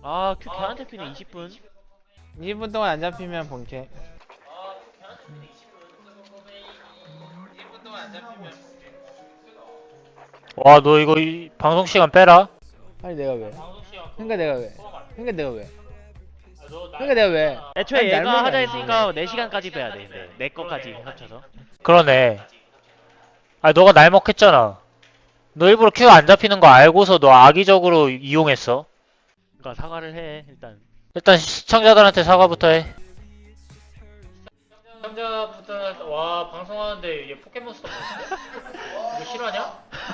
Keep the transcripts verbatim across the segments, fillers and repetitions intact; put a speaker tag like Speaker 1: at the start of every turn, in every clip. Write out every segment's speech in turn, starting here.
Speaker 1: 아, 큐 개안 잡히네. 이십 분.
Speaker 2: 이십 분 동안 안 잡히면 본캐.
Speaker 3: 와, 너 이거 이 방송 시간 빼라.
Speaker 2: 아니 내가 왜? 그러니까 내가 왜? 그러니까 내가 왜? 그러니까 내가 왜?
Speaker 1: 애초에
Speaker 2: 아니,
Speaker 1: 얘가
Speaker 2: 날먹이
Speaker 1: 하자
Speaker 2: 아니지.
Speaker 1: 했으니까 네 시간까지 빼야 돼. 근데 내 거까지 합쳐서.
Speaker 3: 그러네. 아, 너가 날 먹겠잖아. 너 일부러 큐 안 잡히는 거 알고서 너 악의적으로 이용했어.
Speaker 1: 그러니까 사과를 해. 일단.
Speaker 3: 일단 시청자들한테 사과부터 해. 시청자부터 와 방송하는데 얘 포켓몬스터 이거 실화냐?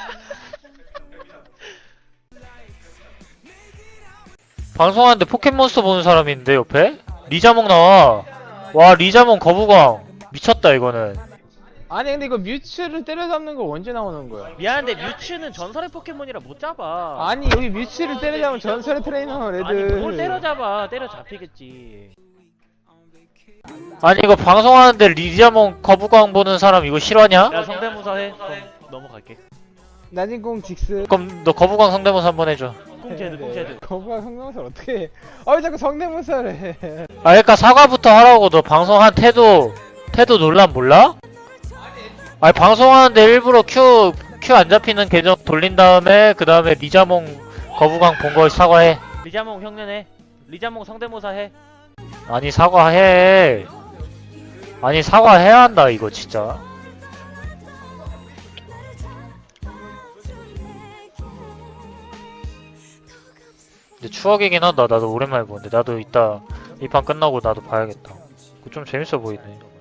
Speaker 3: 방송하는데 포켓몬스터 보는 사람인데 옆에? 리자몽 나와. 와 리자몽 거부광 미쳤다 이거는.
Speaker 2: 아니 근데 이거 뮤츠를 때려잡는 거 언제 나오는 거야?
Speaker 1: 미안한데 뮤츠는 전설의 포켓몬이라 못 잡아.
Speaker 2: 아니 여기 뮤츠를 때려잡으면 전설의 트레이너 레드.
Speaker 1: 아니 뭘 때려잡아. 때려 잡히겠지.
Speaker 3: 아니 이거 방송하는데 리자몽 거부광 보는 사람 이거 실화냐?
Speaker 1: 야 성대모사 해. 그럼 넘어갈게.
Speaker 2: 나진공 직스.
Speaker 3: 그럼 너 거부광 성대모사 한번 해줘.
Speaker 1: 꽁제드 꽁제드.
Speaker 2: 거부가 성대모사를 어떻게 해? 아왜 자꾸 성대모사를 해?
Speaker 3: 아 그러니까 사과부터 하라고. 너 방송한 태도 태도 논란 몰라? 아니 방송하는데 일부러 큐 큐 안 잡히는 계정 돌린 다음에 그 다음에 리자몽 거부광 본 거 사과해.
Speaker 1: 리자몽 흉내내. 리자몽 성대모사 해.
Speaker 3: 아니 사과해. 아니 사과해야 한다 이거 진짜. 근데 추억이긴 하다. 나도 오랜만에 보는데 나도 이따 이 판 끝나고 나도 봐야겠다. 그거 좀 재밌어 보이네.